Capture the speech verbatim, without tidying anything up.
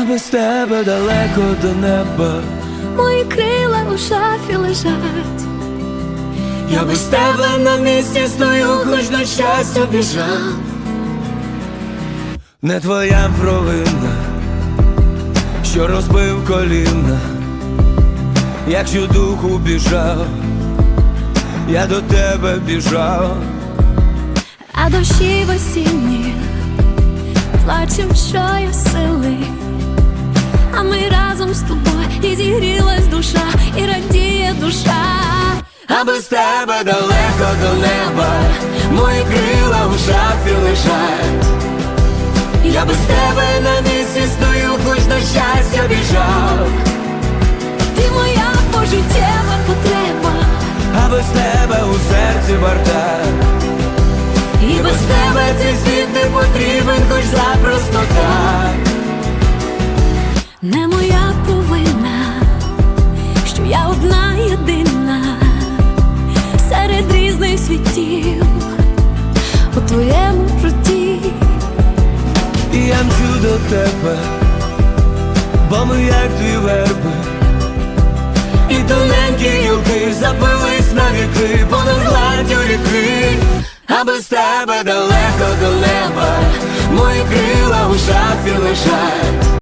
а без тебе далеко до неба. Мої крила у шафі лежать. Я без тебе на місці стою, хоч на щастя біжав. Не твоя провина, що розбив коліна. Якщо духу біжав, я до тебе біжав. А дощі в осінні плачем щосили, а ми разом з тобою, і зігрілась душа, і радіє душа. А без тебе далеко до неба, мої крила в шафі лежать. Я без тебе на місці стою, хоч на щастя біжав. Ти моя пожиттєва потреба, А без тебе у серці бардак. і без тебе цей світ не потрібен, хоч запросто так. Не моя провина, що я одна єдина серед різних світів у твоєму житті. І я мчу до тебе, бо ми як дві верби, і тоненькі гілки запились на віки понад гладдю ріки. А без тебе далеко до неба, мої крила у шафі лежать.